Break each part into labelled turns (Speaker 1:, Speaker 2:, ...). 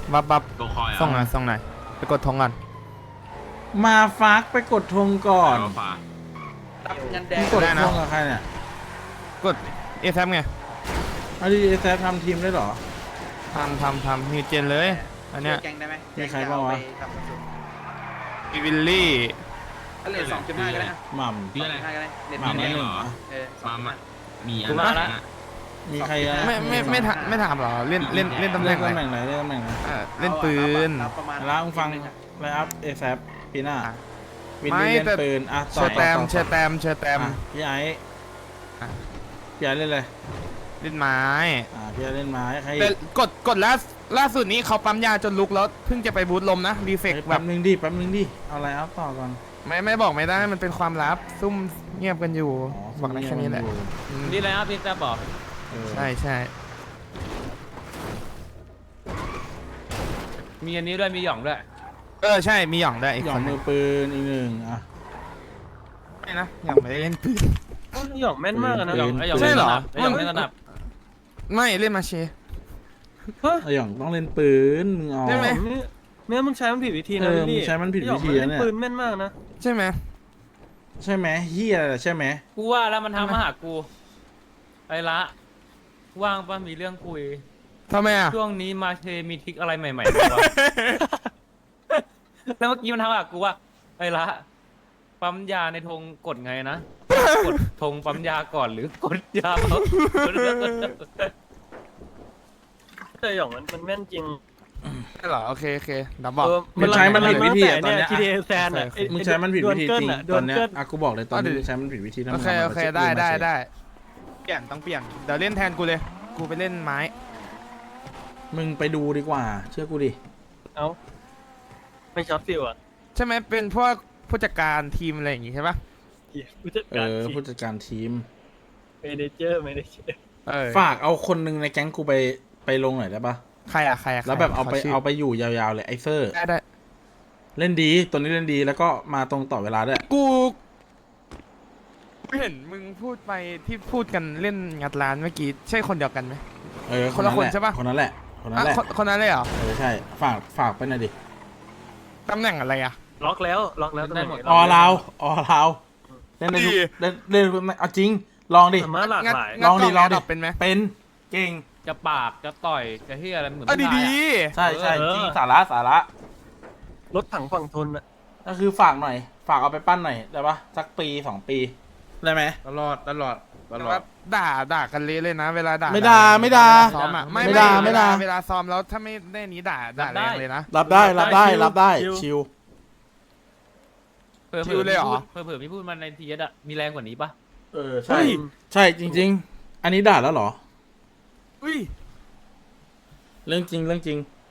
Speaker 1: บับ
Speaker 2: ตัวคอยอ่ะ
Speaker 1: ส่งหน่อยไปกดธงก่อน
Speaker 3: มาฟักไปกดธงก่อน
Speaker 2: เอาฝา
Speaker 4: รับเงินแด
Speaker 3: มึ
Speaker 4: ง
Speaker 3: งกดธงกับใครเนี่ย
Speaker 1: กดเอแซมไง
Speaker 3: เอาดีแซฟทำทีมได้เหรอ
Speaker 1: ทำนิวเจนเลยอันเนี้ย
Speaker 4: แกงได้ไหม
Speaker 3: มีใครบ้างวะ
Speaker 1: มีวิลลี่
Speaker 4: ก็เลย2.5ก็ได้
Speaker 3: หม่
Speaker 2: ชื่ออะไร
Speaker 4: 2.5ก็ได้เน็ต
Speaker 3: หม่ำ
Speaker 4: แด
Speaker 3: ไม่
Speaker 4: ง
Speaker 3: หนึ่ง
Speaker 4: เออ
Speaker 2: มามีอะ
Speaker 1: กู
Speaker 2: ไร
Speaker 1: มาละ
Speaker 2: นะ
Speaker 3: มีใครอะ
Speaker 1: ไม่ถามเหรอเล่นตำแห
Speaker 3: เล่
Speaker 1: น่
Speaker 3: น
Speaker 1: ง
Speaker 3: ตำแห
Speaker 1: ไหน
Speaker 3: น่งไหนเล่นตำแหน่งไหน
Speaker 1: เล่นปืน
Speaker 3: แล้วมึงฟังไลน์อัพเอแซฟปีหน้าวิน
Speaker 1: ไม่
Speaker 3: นี่เล่น
Speaker 1: แต่
Speaker 3: ปืนอ่ะ
Speaker 1: เชอร์แตม
Speaker 3: อ่ะพี่ไอ้
Speaker 1: อ่ะ
Speaker 3: พี่ไอ้เล่นอะไร
Speaker 1: เล่นไม้
Speaker 3: พี่ไอ้เล่นไม้ใคร
Speaker 1: แต่กดล่าสุดนี้เขาปั๊มยาจนลุกแล้วเพิ่งจะไปบูทลมนะรีเฟกแบ
Speaker 3: แป๊
Speaker 1: บบ
Speaker 3: นึงดิเอาไลน์อัพต่อก่อน
Speaker 1: ไม่บอกไม่ได้มันเป็นความลับซุ่มเงียบกันอยู่บอกได้แค่นี้แหละอืม
Speaker 5: นี่อะไรครับพี่แซ่บบอก
Speaker 1: ใช่
Speaker 5: มีอันนี้ด้วยมีหย่องด้วย
Speaker 1: ใช่มีหย่องได้วยอีก
Speaker 3: หย่
Speaker 1: ค
Speaker 3: อง
Speaker 1: นห
Speaker 3: มื
Speaker 1: นึ
Speaker 3: อง ปืนอีกหนึ่งอ่ะ
Speaker 1: ไม่นะหย่องไม่ได้เล่นปืน
Speaker 6: หยองแม่นมากอะนะ
Speaker 3: ปื
Speaker 5: หย่องไอ้หย่อง
Speaker 1: ใช่เหรอ
Speaker 5: ไอ้หย่องไม่ถนัด
Speaker 1: ไม่เล่นมาเช
Speaker 3: ไอ้หย่องต้องเล่นปืนมึงเอา
Speaker 1: ได้ไหม
Speaker 6: แม่มึงใช้มันผิดวิธี
Speaker 3: เอ
Speaker 6: นะ
Speaker 3: อมึ
Speaker 6: พี่
Speaker 3: งใช้มันผิดวิธี
Speaker 6: หยอง
Speaker 3: นะเนี่ย
Speaker 6: ปืนแม่นมากนะ
Speaker 1: ใช่ไหม
Speaker 3: ใช่ไหมเฮียใช่ไหม
Speaker 5: กูว่าแล้วมันทำมาหากูไอ้ละว่างป่ะมีเรื่องคุย
Speaker 1: ทำไมอ่ะ
Speaker 5: ช่วงนี้มาเชมีทริกอะไรใหม่ๆบ้างวะ แล้วเมื่อกี้มันทำมาหากูว่าไอ้ละปั๊มยาในธงกดไงนะกดธงปั๊มยาก่อนหรือกดยาเขา
Speaker 6: แต่หยองมันแม่นจริง
Speaker 1: ใช่เหรอโอเคดับบอก
Speaker 3: มึงใช้มันผิดวิธีอะตอน
Speaker 6: เนี่ย
Speaker 3: เนี้ย
Speaker 6: ทีเอแซนอะ
Speaker 3: มึงใช้มันผิดวิธีจริง
Speaker 6: โด
Speaker 3: ตอน นเนี้ย
Speaker 6: เกิล
Speaker 3: อ่ะกูบอกเลยตอนนี้มึงใช้มันผิดวิธีนะ
Speaker 1: โอเค
Speaker 3: มึงอามา
Speaker 1: ได้เปลี่ยนต้องเปลี่ยนเดี๋ยวเล่นแทนกูเลยกูไปเล่นไม้
Speaker 3: มึงไปดูดีกว่า เชื่อกูดิ
Speaker 6: เอ้าไม่ช็อตฟิวอ่ะ
Speaker 1: ใช่ไหมเป็นพวกผู้จัดการทีมอะไรอย่างงี้ใช่ปะ
Speaker 6: ผู้จัดการ
Speaker 3: ผู้จัดการทีม
Speaker 6: เมเนเจอร์
Speaker 3: ฝากเอาคนหนึ่งในแก๊งกูไปลงหน่อยได้ปะ
Speaker 1: ใครอะ
Speaker 3: แล้วแบบเอาไป
Speaker 1: ขชื่
Speaker 3: เอาไปอยู่ยาวๆเลยไอเซอร์
Speaker 1: ได้
Speaker 3: เล่นดีตัวนี้เล่นดีแล้วก็มาตรงต่อเวลาด้วย
Speaker 1: กูเห็นมึงพูดไปที่พูดกันเล่นงัดร้านเมื่อกี้ใช่คนเดียวกันไหม คนละคนใช่ปะ
Speaker 3: คนนั้นแหละคนนั้นแหละ
Speaker 1: คนนั้นเลยเหรอ
Speaker 3: ใช่ฝากไปหน่อยดิ
Speaker 1: ตำแหน่งอะไรอะ
Speaker 6: ล็อกแล้วได้หมด
Speaker 3: อเราเล่นได้ทุกเล่นเอาจริงลองดิ
Speaker 6: สามารถหลากหลาย
Speaker 3: ลองดิ
Speaker 1: เป็นไหม
Speaker 3: เป็นเก่ง
Speaker 5: จะปากจะต่อยจะที่อะไรเหมือน
Speaker 1: ดี
Speaker 5: ผู้ชายอะ
Speaker 3: ใช่จริงสาระ
Speaker 6: รถถังฝั่งทนอ่ะ
Speaker 3: ก็คือฝากหน่อยฝากเอาไปปั้นหน่อยได้ปะสักปี2 ปีได้ไหม
Speaker 1: ตลอดแต่ว่าด่ากันเละเลยนะเวลาด่า
Speaker 3: ไม่ด่า
Speaker 1: ซ้อมอะ
Speaker 3: ไม่ด่า
Speaker 1: เวลาซ้อมแล้วถ้าไม่ได้นี้ด่าแรงเลยนะ
Speaker 3: รับได้ชิว
Speaker 1: ชิวเลยเหรอ
Speaker 5: เผื่อพี่พูดมาในทีเอสอะมีแรงกว่านี้ปะ
Speaker 3: ใช่จริง ๆ อันนี้ด่าแล้วเหรอ
Speaker 1: อุ้ย
Speaker 3: เรื่องจริง
Speaker 1: จ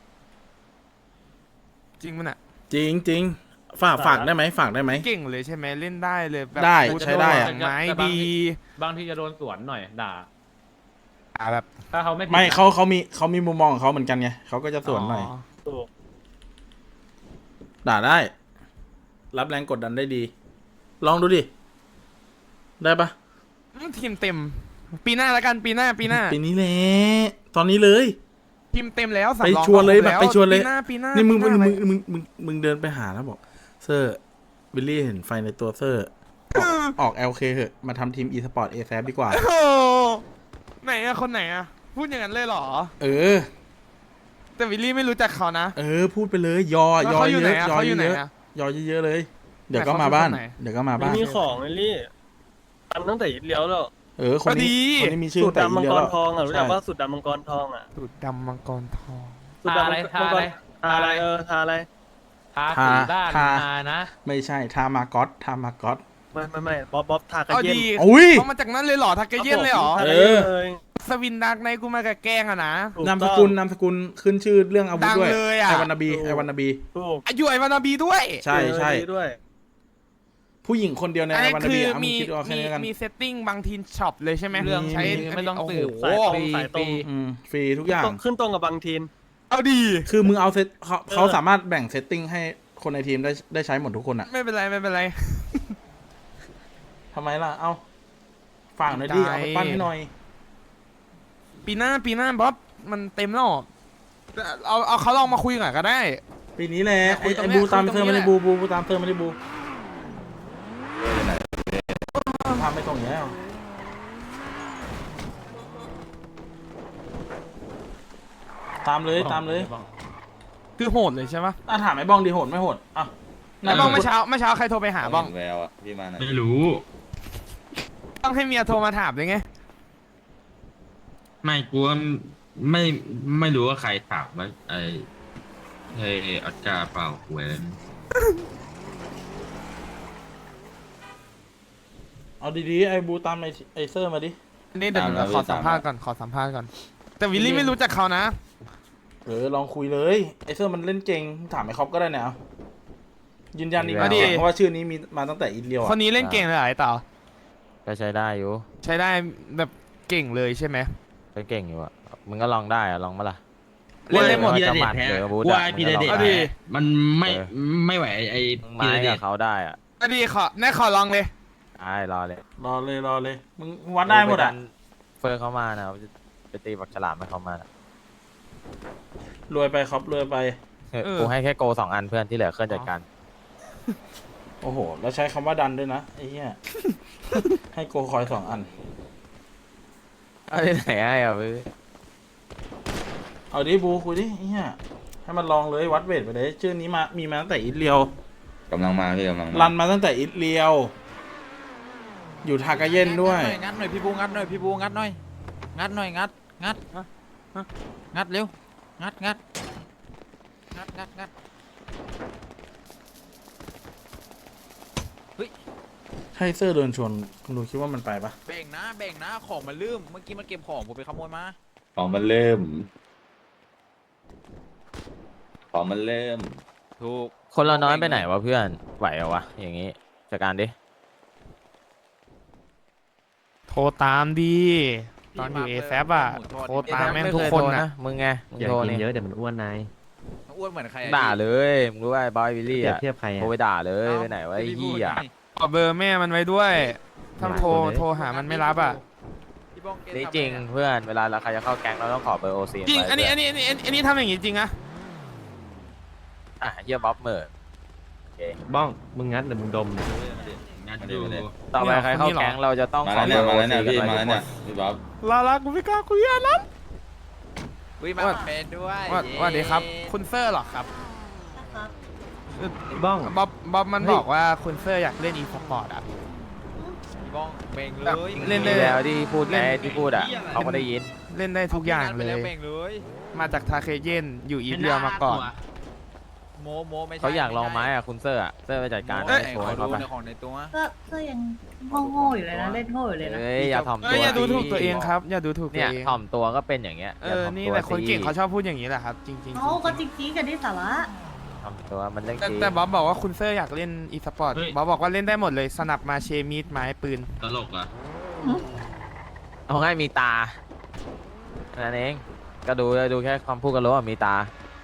Speaker 1: ริงมันอะ
Speaker 3: จริงฝากได้ไหมฝากได้ไหม
Speaker 1: เก่งเลยใช่ไหมเล่นได้เลยแบบ
Speaker 3: ได้
Speaker 1: พู
Speaker 3: ใช้ได้อะ
Speaker 1: ไม้ดี
Speaker 5: บางทีจะโดนสวนหน่อยด่า
Speaker 1: แบบ
Speaker 5: ถ้าเขาไม่ผิด
Speaker 3: ไม่
Speaker 5: อะ
Speaker 3: เขามีมุมมองของเขาเหมือนกันไงเขาก็จะสวนหน่อย
Speaker 6: ถูก
Speaker 3: ด่าได้ รับแรงกดดันได้ดี ลองดูดิ ได้ปะ
Speaker 1: ทีมเต็ม ปีหน้าแล้วกันปีหน้า
Speaker 3: ปีนี้แหละตอนนี้เลย
Speaker 1: ทีมเต็มแล้ว
Speaker 3: ไปชวนเลยแบบไปชวนเลย
Speaker 1: ปีหน้า
Speaker 3: นี่มึง
Speaker 1: ปีหา
Speaker 3: มึงเดินไปหาแล้วบอก เซอร์วิลลี่เห็นไฟในตัวเซอร์ออก LK เหอะมาทำทีม e-sport a ดีกว่า
Speaker 1: โอ้โหไหนอะคนไหนอะพูดอย่างนั้นเลยเหรอ
Speaker 3: เออ
Speaker 1: แต่วิลลี่ไม่รู้จักเขานะ
Speaker 3: พูดไปเลยยอ
Speaker 1: แล้ว
Speaker 3: เย
Speaker 1: เขาอยู่ไหน
Speaker 3: อะ
Speaker 1: อะ
Speaker 3: ยอ
Speaker 1: เขาอยู่ไหน
Speaker 3: เยอะ
Speaker 1: อะ
Speaker 3: ยอเยอะๆเลย เดี๋ยวก็
Speaker 1: แต่เขา
Speaker 3: มาบ้าน
Speaker 1: คือคนไหน
Speaker 3: เดี๋ยวก็มา
Speaker 6: ไม่
Speaker 3: บ้าน
Speaker 6: มีของไอ้ลี่อันตั้งแต่เลี้ยวแล้ว
Speaker 3: คนนี้คนนี้มีชื่อ
Speaker 6: สูตร
Speaker 3: แต่
Speaker 6: ดำมัง
Speaker 3: เดีย
Speaker 6: ก
Speaker 3: ว
Speaker 6: ร
Speaker 3: แล้ว
Speaker 6: ทองอ่ะรู้จักว่าสูตรดำมังกรทองอ่ะ
Speaker 1: สูตรดำมังกรทอง
Speaker 6: สูตรดำมังกรทาอะไรทาอะไร
Speaker 5: ทาสีด้านนานะ
Speaker 3: ไม่ใช่ทามากอต
Speaker 6: ไม่บ๊อบทากระ
Speaker 1: เอา
Speaker 6: เย็น
Speaker 1: ดี
Speaker 3: อุ้ย
Speaker 1: เขามาจากนั้นเลยเหรอทักเกเย็นเลยเหรอ
Speaker 6: ทากระเย็นเลย
Speaker 1: สวินดักในกูมากับแกล้งอะนะ
Speaker 6: ถูก
Speaker 3: นามส
Speaker 6: ต้อง
Speaker 3: กุลขึ้นชื่อเรื่องอาวุธด้วย
Speaker 1: ดังเลยอะ
Speaker 3: ไอวันนาบี
Speaker 6: ถูก
Speaker 1: อายุไอวานาบีด้วย
Speaker 3: ใช่
Speaker 6: ด้วย
Speaker 3: ผู้หญิงคนเดียวใน
Speaker 1: อัน
Speaker 3: ไอ
Speaker 1: นี้
Speaker 3: วันนา
Speaker 1: คื
Speaker 3: บี
Speaker 1: อ
Speaker 3: มึงคิดเอาแค่นี้กัน
Speaker 1: มีเซตติ้งบางทีช็อปเลยใช่ไหม
Speaker 5: เรื่อง
Speaker 1: ใช้
Speaker 5: ไม่ต้องสืบ
Speaker 1: โอ้โห
Speaker 6: สายตรง
Speaker 3: ฟรีทุกอย่าง
Speaker 6: ขึ้นตรงกับบางทีน
Speaker 1: เอาดี
Speaker 3: คือมึงเอาเขาสามารถแบ่งเซตติ้งให้คนในทีมได้ใช้หมดทุกคนอ่ะ
Speaker 1: ไม่เป็นไร
Speaker 3: ทำไมล่ะ เอาฝากหน่อยดิ
Speaker 1: ได้
Speaker 3: เอาไปปั้นให้หน่อย
Speaker 1: ปีหน้าบ๊อบมันเต็มแล้วเอาเขาลองมาคุยกันก็ได้
Speaker 3: ปีนี้แหละ
Speaker 1: คุยตรง
Speaker 3: ไอ้
Speaker 1: เนี้ย
Speaker 3: บูตาม
Speaker 1: คุยตรง
Speaker 3: เธอ
Speaker 1: นี้
Speaker 3: มา
Speaker 1: แห
Speaker 3: ใน
Speaker 1: ละ
Speaker 3: บูตามเธอมาในบูทำไปตรงเนี้ยตามเลยตามเลย
Speaker 1: คือโหดเลยใช่ปะ
Speaker 3: ถามไอ้บ้องดีโหดไม่โหดอ่ะ
Speaker 1: ไอ้บ้องเมื่อเช้าใครโทรไปหาบ้อง
Speaker 2: แววอ่ะพี่มาหน่อย
Speaker 7: ไม่รู้
Speaker 1: ต้องให้เมียโทรมาถามเลยไง
Speaker 7: ไม่กูว่าไม่รู้ว่าใครถามว่าไอ้ออสการ์เปล่าหวย
Speaker 3: เอาดีๆไอ้บูตามไอ้เซอร์มาดิ
Speaker 1: นี่เดี๋ยวผมขอสัมภาษณ์ก่อนแต่วิลลี่ไม่รู้จักเขานะ
Speaker 3: ลองคุยเลยไอ้เซอร์มันเล่นเก่งถามไอ้คอปก็ได้เนี่ยเอายืนยันอีก
Speaker 1: เอาดิ
Speaker 3: เพราะว่าชื่อนี้มีมาตั้งแต่อินเดียว
Speaker 1: คนนี้เล่นเก่งเลยเหรอไอ้เต่า
Speaker 8: ก็ใช้ได้อยู่
Speaker 1: ใช้ได้แบบเก่งเลยใช่ไหม
Speaker 8: ก็เก่งอยู่อะมึงก็ลองได้อะลองมาล่ะ
Speaker 1: เล่นได้หมด
Speaker 8: พี่ระเดชแพ้ว่าพี่ระเดช
Speaker 1: เอาดิ
Speaker 7: มันไม่ไหวไอ้
Speaker 8: มึง
Speaker 7: พี่
Speaker 8: ไม้
Speaker 7: ระเด
Speaker 8: กับ
Speaker 7: ช
Speaker 8: เขาได้อะ
Speaker 1: ก็ดีขอลองเลย
Speaker 8: ได้รอเลย
Speaker 3: รอเลยมึงวัดได้หมดอ่ะ
Speaker 8: เฟิร์นเขามานะไปตีบักฉลามให้เขามานะ
Speaker 3: รวยไปครับรวยไป
Speaker 8: กูให้แค่โก2 อันเพื่อนที่เหลือเคลื่อนจัดการ
Speaker 3: โอ้โหแล้วใช้คำว่าดันด้วยนะไอ้เหี้ย ให้โกคอย2 อัน
Speaker 8: เอาที่ไหนให้อ่ะพี่
Speaker 3: เอาดิบูคุยดิไอ้เหี้ยให้มันลองเลยวัดเวทไปเลยชื่อนี้มีมาตั้งแต่อิตเลียว
Speaker 2: กำลังมาพี่กำลัง
Speaker 3: รันมาตั้งแต่อิตเลียว อยู่ทากาเย็นด้วย
Speaker 9: งัดหน่อยพี่บูงัดหน่อยพี่บูงัดหน่อยงัดหน่อยงัดงัดเร็วงัดงัด
Speaker 3: ใช่เซอร์เดินชวนคุณดูคิดว่ามันไปปะ
Speaker 9: แบ่งนะของมันลืมเมื่อกี้มันเก็บของผมไปขโมยมา
Speaker 2: ของมันเริ่มของมันเริ่ม
Speaker 9: ถูก
Speaker 8: คนเราน้อยไปไหนวะเพื่อนไหวเหรอวะอย่างงี้จัดการดิ
Speaker 1: โทรตามดีตอนอยู่เอแซอ่ะโทรตามแม่งทุกคนนะ
Speaker 8: มึงไงมึงโทรนี่
Speaker 9: อ้วนเหมือนใคร
Speaker 8: ด่าเลยมึงรู้ว่าไอ้บอยวิลลี่อะ
Speaker 9: เทียบใคร
Speaker 8: โทรไปด่าเลยไปไหนวะไอ้เหี้ย
Speaker 1: ขอเบอร์แม่มันไว้ด้วย ถ้าโทรหามันไม่รับอ่ะ
Speaker 8: นี่จริงเพื่อนเวลาเราใครจะเข้าแก๊งเราต้องขอเบอร์โอซี
Speaker 1: จริง อันนี้ทำอย่างงี้จริงอะ
Speaker 8: อ่ะเหี้ยบ๊อบเหม่อโอเค
Speaker 6: บ้องมึงงัดหรือมึงดม
Speaker 7: งานดู
Speaker 8: ต่อไปใครเข้าแก๊งเราจะต้อง
Speaker 2: มา
Speaker 8: ขอ
Speaker 2: แล้ว
Speaker 8: เบ
Speaker 2: เนี่
Speaker 8: อย ร์โอ
Speaker 2: มาแล้ว
Speaker 8: ซี
Speaker 2: เนี่ย
Speaker 8: กัน
Speaker 2: พี่
Speaker 8: ไป
Speaker 2: มา
Speaker 8: ทุ
Speaker 2: แล้ว
Speaker 8: กค
Speaker 2: เนี่ย
Speaker 8: น
Speaker 2: พี่บ๊อบ
Speaker 1: กูไม่กล้าคุยอะนะ
Speaker 9: อุ้ยมาเป็นด้วย
Speaker 1: ว่าดีครับ คุณเซอร์หรอครับ
Speaker 6: บ้อง
Speaker 1: บ๊อบมันบอกว่าคุณเซอร์อยากเล่นอีสปอร์ตอ่ะ
Speaker 9: พี่บ้องเบ่งเลย
Speaker 1: เล่น
Speaker 8: มีแล้วที่พูดไงที่พูดอ่ะเขาก็ได้ยิน
Speaker 1: เล่นได้ทุกอย่างเลย
Speaker 9: เบ่งเลย
Speaker 1: มาจากทาเคเย็นอยู่อีเรียวมาก่อน
Speaker 9: โมไม่ใช่
Speaker 8: เขาอยากลองไม้อ่ะคุณเซอร์อ่ะเซอร์ไปจัดการ
Speaker 9: เอ้ย
Speaker 8: โชว์
Speaker 9: ขอ
Speaker 8: ให้
Speaker 9: ดู
Speaker 8: เขาไป
Speaker 9: ในของในตัว
Speaker 10: ก็ยังโง่ๆอยู่เลยนะเล่นโง่อยู่เลยนะ
Speaker 8: เอ้ยอย่าถ่อม
Speaker 1: เอ้
Speaker 8: ตั
Speaker 1: ยว อย่าดูถูกตัวเองครับ อย่าดูถูกตั
Speaker 8: เนี่
Speaker 1: วย เอง
Speaker 8: ถ่อมตัวก็เป็นอย่างเงี้ย
Speaker 1: นี่แหละคนเก่งเขาชอบพูดอย่างนี้แหละครับ จริงๆ
Speaker 10: เขาก็จริงๆกันที่สาระ
Speaker 8: ถ่อมตัวมันเรื่องจริง
Speaker 1: แต่บ๊อบบอกว่าคุณเซอร์อยากเล่นอีสปอร์ตบ๊อบบอกว่าเล่นได้หมดเลยสนับมาเชมีดไม้ปืน
Speaker 7: ตลกอ่ะ
Speaker 8: เอาง่ายมีตานั่นเองก็ดูแค่ความพูดก็รู้ว่ามีตา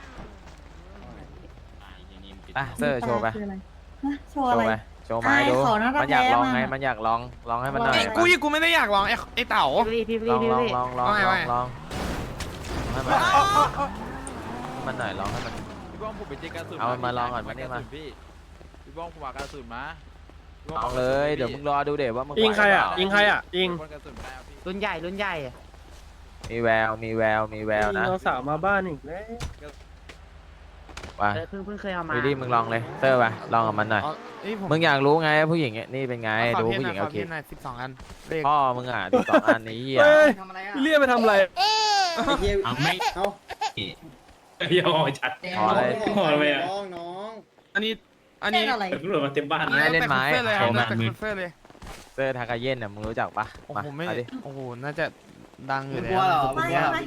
Speaker 8: อ่ะเซอร์โชว์ไป
Speaker 10: คืออะไรฮะโช
Speaker 8: โช
Speaker 10: ว์อะไร
Speaker 8: ว์ไปโชว์ไม้ดู
Speaker 10: อายเขานะ
Speaker 8: มันอยากลองไง
Speaker 10: แพ้มา
Speaker 8: มันอยากลองให้มันหน่อย
Speaker 1: กูไม่ได้อยากลองไอ้เต๋า
Speaker 10: พี่
Speaker 8: ลองให้มันหน่อยลองให้มัน
Speaker 9: พี่บ้องผมเป็นเจกระสุน
Speaker 8: เอามันมาลองก่อนมานี่มา
Speaker 9: พี่บ้องผมวางกระสุนมา
Speaker 8: ลองเลยเดี๋ยวมึงรอดูเดี๋ยวว่ามึง
Speaker 6: ยิงใครอ่ะ
Speaker 8: ไหวเปล่า
Speaker 6: ยิงใครอ่ะยิง
Speaker 9: กระสุนได้พี่
Speaker 10: รุ่นใหญ่
Speaker 8: มีแววนะ
Speaker 6: เราสาวมาบ้านอีกแล้ว
Speaker 8: ว่า
Speaker 10: เพิ่งเคยเอามา
Speaker 8: วิลลี่มึงลองเลยเซอร์ไปลองกับมันหน่อยมึงอยากรู้ไงผู้หญิงนี่เป็นไงดูผู้หญิงโอเค
Speaker 1: 12 อันเลข
Speaker 8: พ่อมึงอ่ะดู2 อันนี้อ่ะ
Speaker 6: เฮ้ย
Speaker 10: ทำอะไรอ่ะ
Speaker 6: พี่เรียกไปทำอะไร
Speaker 7: เอาไม่เดี๋ยวจัด
Speaker 8: พอเลย
Speaker 7: พอไปอ่ะ
Speaker 1: อันนี้
Speaker 10: เล่นอะไร
Speaker 7: ตำรวจมาเต็มบ้าน
Speaker 8: ไม่เล่นไม้
Speaker 1: เลย
Speaker 8: โชว์มา
Speaker 1: แต่คุณเซอร์เลย
Speaker 8: เซอร์ทากาเย็นน่ะมึงรู้จักปะ
Speaker 1: โอ้
Speaker 8: มา
Speaker 1: โหไม่
Speaker 8: เอาดิ
Speaker 1: โอ้โหน่าจะดังอยู่แล้ว
Speaker 10: ไม่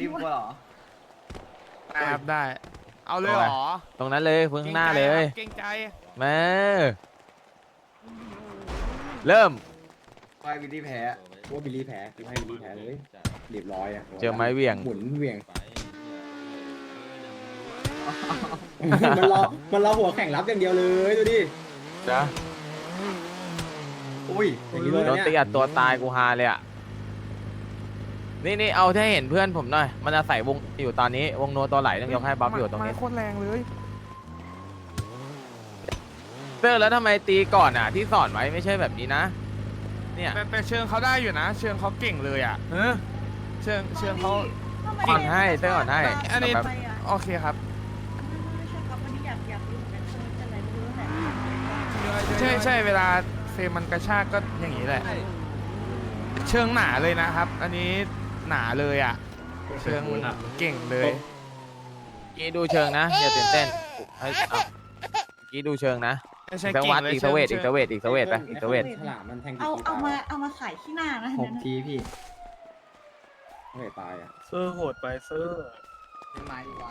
Speaker 1: ครับได้ เอาเลยเหรอ
Speaker 8: ตรงนั้นเลยพึ่งข้างหน้าเลย
Speaker 1: เก่งใจ
Speaker 8: มาเริ่ม
Speaker 11: ให้บิลลี่แพ้ว่าบิลลี่แพ้กูให้บิลลี่แพ้เลยเรียบร้อยอ่ะ
Speaker 8: เจอไม้เหวี่ยง
Speaker 11: หมุนเหวี่ยง มันรอหัวแข่งรับอย่างเดียวเลยดูดิ
Speaker 8: นะ
Speaker 11: อุ้ยอย่างนี้เลย
Speaker 8: โดนตี
Speaker 11: เนี่ย
Speaker 8: อัดตัวตายกูฮาเลยอ่ะนี่เอาให้เห็นเพื่อนผมหน่อยมันอาศัยวงอยู่ตอนนี้วงโนตัวไหลต้องยกให้บ๊อบอยู่ตรงนี้
Speaker 1: ไม้โคตรแรงเลย
Speaker 8: เซอร์แล้วทำไมตีก่อนอ่ะที่สอนไว้ไม่ใช่แบบนี้นะเนี่ย
Speaker 1: แต่เชิงเขาได้อยู่นะ เชิงเขาเก่งเลยอ่ะเชิงเขา
Speaker 8: อ่อนให้เต้อ่อนให้
Speaker 1: อันนี้
Speaker 8: แบบ
Speaker 1: โอเคครับ
Speaker 10: ไม่ใช่ครับวันนี้อยากรู้เหมือนกันว่าจะอะไรไม่รู้แหละ
Speaker 1: ใช่เวลาเฟรมมันกระชากก็อย่างนี้แหละ เชิงหนาเลยนะครับ อันนี้หนาเลยอ่ะ เชิงเก่งเลย
Speaker 8: กี้ดูเชิงนะอย่าตื่นเต้นเฮ้ยเอากี้ดูเชิงนะ
Speaker 1: ไม่ใช่
Speaker 8: อีก
Speaker 1: เก่ง
Speaker 8: วัด
Speaker 1: เลย
Speaker 8: อีกสเวทอีกสเวทอีกสเวทไปอีกสเวท
Speaker 11: ฉลามมันแทง
Speaker 10: เอามาขายที่หน้านะ
Speaker 11: 6 ทีพี่ไม่ตายอ่ะ
Speaker 6: เซอร์โหดไปเซอร์
Speaker 11: เป็นไม้ดีกว่า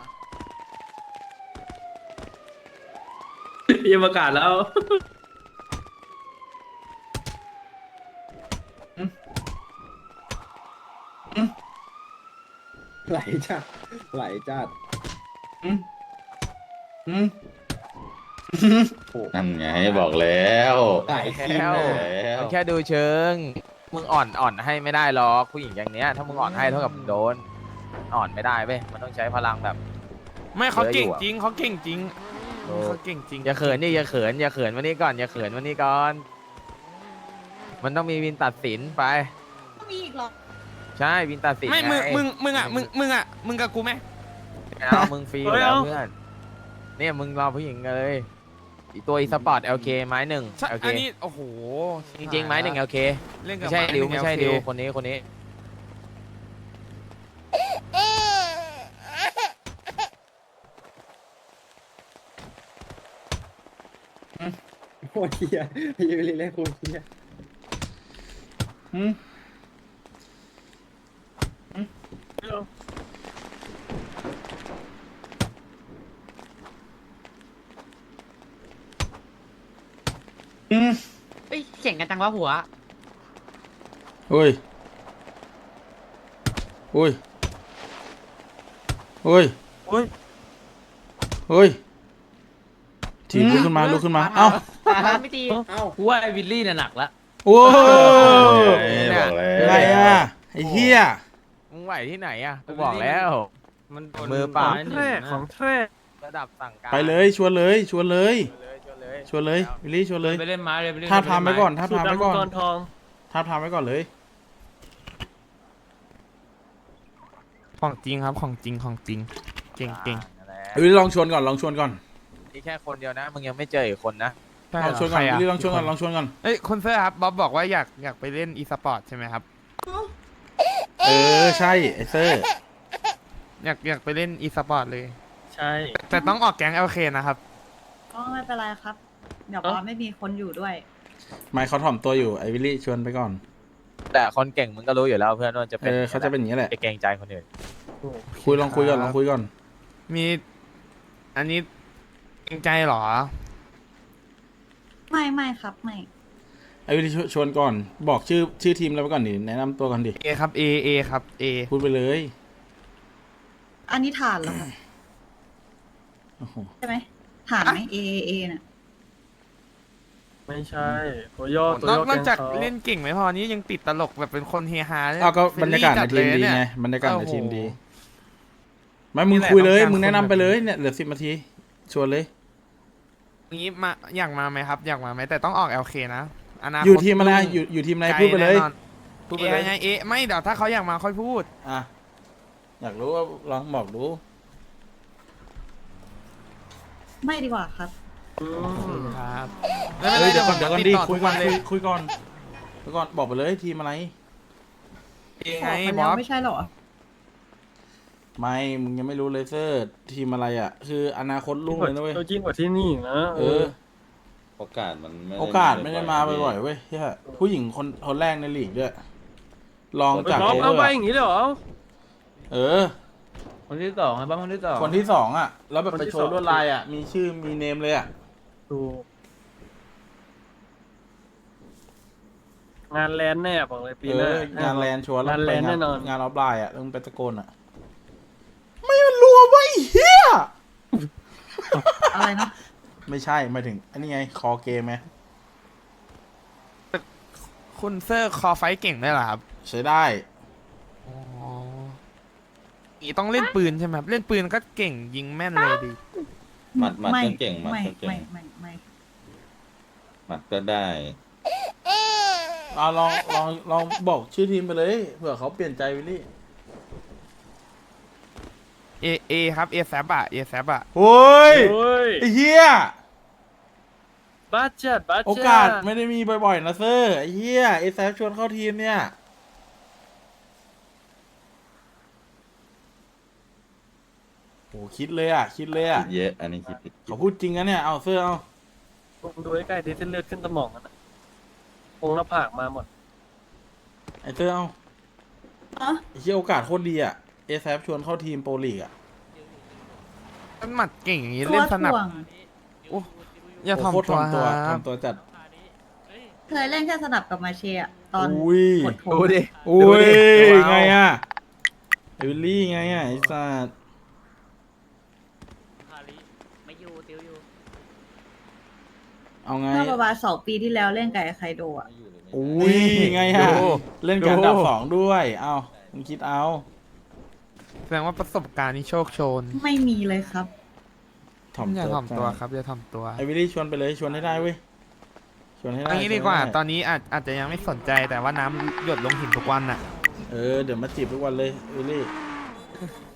Speaker 6: ยังประกาศแล้ว
Speaker 11: ไหลจัดไหลจัด
Speaker 2: นั่นไงบอกแล้ว
Speaker 11: ไหลทีม
Speaker 2: แล้ว
Speaker 8: มันแค่ดูเชิงมึงอ่อนให้ไม่ได้หรอกผู้หญิงอย่างเนี้ยถ้ามึงอ่อนให้เท่ากับมึงโดนอ่อนไม่ได้เว้ยมันต้องใช้พลังแบบ
Speaker 1: ไม่เขาเก่ง
Speaker 8: เยอะอยู่อะ
Speaker 1: จริงเขาเก่งจริง
Speaker 8: โอ้
Speaker 1: เขาเก่งจริง
Speaker 8: อย่าเขินดิอย่าเขินวันนี้ก่อนอย่าเขินวันนี้ก่อน มันต้องมีวินตัดสินไป
Speaker 10: ต้องมีอีกหรอ
Speaker 8: ใช่วินตัดสิน
Speaker 1: ไม่
Speaker 8: ไง
Speaker 1: มึงกับกูไหม
Speaker 8: เอามึงฟรีอยู่แล้วเพื่อนเนี่ยมึงรอผู้หญิงเลยอีตัวอีสปอร์ต LK ไม้หนึ่ง
Speaker 1: ใช่
Speaker 8: LK
Speaker 1: อันนี้โอ้โห
Speaker 8: จริงๆไม้หนึ่ง LK
Speaker 1: เล่นกับ
Speaker 8: ไม่ใช่ดิวไม่ใช่
Speaker 1: โอเค
Speaker 8: ดิวคนนี้
Speaker 11: โคตรเทียพี่วิลลี่เล่นโคตรเทีย
Speaker 4: เฮ้ยเก่งกันจังวะหัว
Speaker 3: เฮ้ยเฮ้ยเฮ้ยเฮ้ยทีมลุกขึ้นมาเอ้า
Speaker 4: ไม่ตี
Speaker 11: เอ้า
Speaker 5: กูว่าไอ้วิลลี่เนี่ยหนักละ
Speaker 3: โอ้
Speaker 2: บอกแล้ว
Speaker 3: อะไรอ่ะไอ้เหี้ย
Speaker 8: มึงไหวที่ไหนอ่ะกูบอกแล้ว
Speaker 5: มันโดน
Speaker 8: มือเปล่า
Speaker 5: ไม้หนึ่งนะ
Speaker 6: ของแท้
Speaker 8: ระดับสั่งการ
Speaker 3: ไปเลยชวนเลยชวนเลย
Speaker 8: ชวนเลย
Speaker 3: วิลลี่ชวนเลย
Speaker 5: ไปเล่นไม้เลยไปเล่น
Speaker 3: ท้าบทามไว้ก่อน
Speaker 6: สูตรดำมังกรทอง
Speaker 3: ท้าบทามไว้ก่อนเลย
Speaker 1: ของจริงครับของจริงเก่ง
Speaker 3: วิลลี่ลองชวนก่อน
Speaker 8: นี่แค่คนเดียวนะมึงยังไม่เจออีกคนนะ
Speaker 1: ใช่
Speaker 3: ลองชวนก่อน
Speaker 1: ใคระ
Speaker 3: วิลลี่ลองชวนก่อน
Speaker 1: เอ้ยคุณเซอร์ครับบ๊อบบอกว่าอยากไปเล่นอีสปอร์ตใช่ไหมครับ
Speaker 3: เออใช่ไอ้เซอร์
Speaker 1: อยากไปเล่นอีสปอร์ตเลย
Speaker 6: ใช่
Speaker 1: แต่ต้องออกแก๊ง LK นะครับ
Speaker 10: ก็ไม่เป็นไรครับ เดี๋ยวบอสไม่มีคนอยู่ด้วย
Speaker 3: ไม่เขาถ่อมตัวอยู่ไอ้วิลลี่ชวนไปก่อน
Speaker 8: แต่คนเก่งมึงก็รู้อยู่แล้วเพื่อนว่าจะเป็น
Speaker 3: เขาจะเป็นอย่างนี้แหละ
Speaker 8: จะเกรงใจคนอื่น
Speaker 3: ลองคุยก่อน
Speaker 1: มีอันนี้เกรงใจเหรอ
Speaker 10: ไม่ครับไม่
Speaker 3: ไอ้วิลลี่ชวนก่อน บอกชื่อทีมแล้วไปก่อนดิแนะนำตัวกันดิ
Speaker 1: A ครับ A ครับ A
Speaker 3: พูดไปเลย
Speaker 10: อันนี้ฐานเหรอครับ
Speaker 3: โอ้โห
Speaker 10: ใช่ไหมฐานไหม A น่ะ
Speaker 6: ไม่ใช่ตัวย่อตัวน
Speaker 1: อก
Speaker 6: ย่อน
Speaker 1: อกจาก
Speaker 6: แกงเขา
Speaker 1: เล่นเก่งไม่พอนี้ยังติดตลกแบบเป็นคนเฮฮาด้วย
Speaker 3: ก็บรรยากาศในทีมดี
Speaker 1: เฟรนลี่จั
Speaker 3: ไง
Speaker 1: เลย
Speaker 3: บรรยากาศในทีมดี
Speaker 1: โอ้โห
Speaker 3: ไม่มึง
Speaker 1: นี่แหละ
Speaker 3: คุยเลย
Speaker 1: ต้องการ
Speaker 3: มึงแนะนำ
Speaker 1: คนแบบ
Speaker 3: ไปเลยเนี่ยเหลือ10 นาทีชวนเลย
Speaker 1: งี้มาอยากมาไหมครับ อยากมาไหมแต่ต้องออก LK นะอนาคต
Speaker 3: อยู่ทีมอะไรอยู่ทีมอะไรพูดไปเลย
Speaker 1: แน่นอน
Speaker 3: พูดไปเลย
Speaker 1: ไงเอไม่เดี๋ยวถ้าเขาอยากมาค่อยพูด
Speaker 3: อ่ะอยากรู้ว่าลองบอกดู
Speaker 10: ไม่ดีกว่าครับ
Speaker 6: อืม
Speaker 1: ครับ
Speaker 3: เฮ้ยเดี๋ยวก่อน
Speaker 1: ติ
Speaker 3: ดี
Speaker 1: ต่
Speaker 3: คุยก่อน
Speaker 1: ทุเลย
Speaker 3: คุยก่อนบอกไปเลยทีมอะไร
Speaker 1: เอ
Speaker 10: ข
Speaker 1: ไง
Speaker 10: อไป
Speaker 1: บ
Speaker 10: แล้
Speaker 1: อ
Speaker 10: ว
Speaker 1: ส
Speaker 10: ไม่ใช่เหรอ
Speaker 3: ไม่มึงยังไม่รู้เลยเซอร์ทีมอะไรอ่ะ คืออนาคตลุ่งเลยนะเว้ย
Speaker 6: ตัวจริงกว่าที่นี่อีกนะ
Speaker 3: เออ
Speaker 2: โอกาสมันไม่
Speaker 3: โอกาสไม่ได้มาบ่อยๆเว้ยเหี้ยผู้หญิงคนแรกในลีกด้วยลองจาก
Speaker 6: ล็อก
Speaker 3: โอเว
Speaker 6: เอา
Speaker 3: อร์
Speaker 6: ไป
Speaker 3: อะ
Speaker 6: อย่างนี้เลยเหรอ
Speaker 3: เออ
Speaker 5: คนที่สองครับบ้างคนที่สอง
Speaker 3: คนที่2อ่ะ แล้วแบบไปโชว์ลวดลายอ่ะ มีชื่อมีเนมเลยอ่ะ
Speaker 6: ดูงานแลนด์แน่บอกเลยปี
Speaker 3: เอ
Speaker 6: หน้า
Speaker 3: องานแลนด์ชัวร์
Speaker 6: งานแลนด์
Speaker 3: ไป
Speaker 6: แน่นอน
Speaker 3: งานออฟไลน์อ่ะต้องไปตะโกนอ่ะ ไม่มันรัวไว้เฮีย
Speaker 10: อะไรนะ
Speaker 3: ไม่ใช่หมายถึงอันนี้ไงคอเกมไหม
Speaker 1: คุณเซอร์คอไฟท์เก่งได้วยเหรอครับ
Speaker 3: ใช้ได้
Speaker 1: อ๋อนี่ต้องเล่นปืนใช่ไหมครับเล่นปืนก็เก่งยิงแม่นเลยดิ
Speaker 2: หมัดก็เก่งหมัด
Speaker 10: ไม่
Speaker 2: ก็เก่
Speaker 10: ไม่
Speaker 2: ง
Speaker 10: ไม่ไม่
Speaker 2: หมัดก็ได้
Speaker 3: ลองบอกชื่อทีมไปเลยเผื่อเขาเปลี่ยนใจวิลลี่
Speaker 1: เอครับเอแซบอะเอแซบอะ
Speaker 3: โอ้ย
Speaker 6: โอ้ย
Speaker 3: ไอ้เหี้ย
Speaker 6: บ้าจัดบ้าจัด
Speaker 3: โอกาสไม่ได้มีบ่อยๆนะเซอร์ไอ้เหี้ยไอ้แซฟชวนเข้าทีมเนี่ยโหคิดเลยอ่ะ คิดเลยอ่ะ
Speaker 2: คิดเยอะ อันนี้คิด
Speaker 3: เขาพูดจริงนะเนี่ยเอาเซอร์เอา
Speaker 6: ผมดูใกล้ๆดิเส้นเลือดขึ้นสมองกันนะองค์หน้าผากมาหมด
Speaker 3: ไอ้เซอร์เอา
Speaker 10: อ๋อ
Speaker 3: ไอ้เหี้ยโอกาสโคตรดีอ่ะเอแซฟชวนเข้าทีมโปรลีกอ่ะ
Speaker 1: มันหมัดเก่งอย่างนี้
Speaker 10: ตัว
Speaker 1: เล่นสนับ
Speaker 10: ถ่วง
Speaker 1: โอ้อย่า
Speaker 3: โคตร
Speaker 1: ทำตัว
Speaker 3: ทำตัวจัด
Speaker 10: เคยเล่นแค่สนับกับมาเชียอะตอน
Speaker 3: อุ้ย
Speaker 10: กดโถ
Speaker 8: ดูดิ
Speaker 3: อุ้
Speaker 8: ดู
Speaker 3: ย
Speaker 8: ดิ
Speaker 3: ไงอ่ะไอ้วิลลี่ไงอ่ะไอ้สัส
Speaker 4: ไม่อยู่ติวอยู่
Speaker 3: เอาไง
Speaker 10: เมื่อประมาณ2 ปีที่แล้วเล่นกับไอ้ไคโดอะ
Speaker 3: อุ้ยไงอ่ะ
Speaker 1: ดู
Speaker 3: เล่นการดับ
Speaker 1: ดู
Speaker 3: สองด้วยเอามึงคิดเอา
Speaker 1: แสดงว่าประสบการณ์นี่โชคโชน
Speaker 10: ไม่มีเลยครับ
Speaker 1: อย่าถ่อมตัวครับอย่าถ่อมตัว
Speaker 3: ไอ้วิลลี่ชวนไปเลยชวนให้ได้เว้ยชวนให้ได้
Speaker 1: อันนี้ดีกว่า
Speaker 3: ชนให้
Speaker 1: ตอนนี้อาจจะยังไม่สนใจแต่ว่าน้ำหยดลงหินทุกวันน่ะ
Speaker 3: เออเดี๋ยวมาจีบทุกวันเลยวิลลี่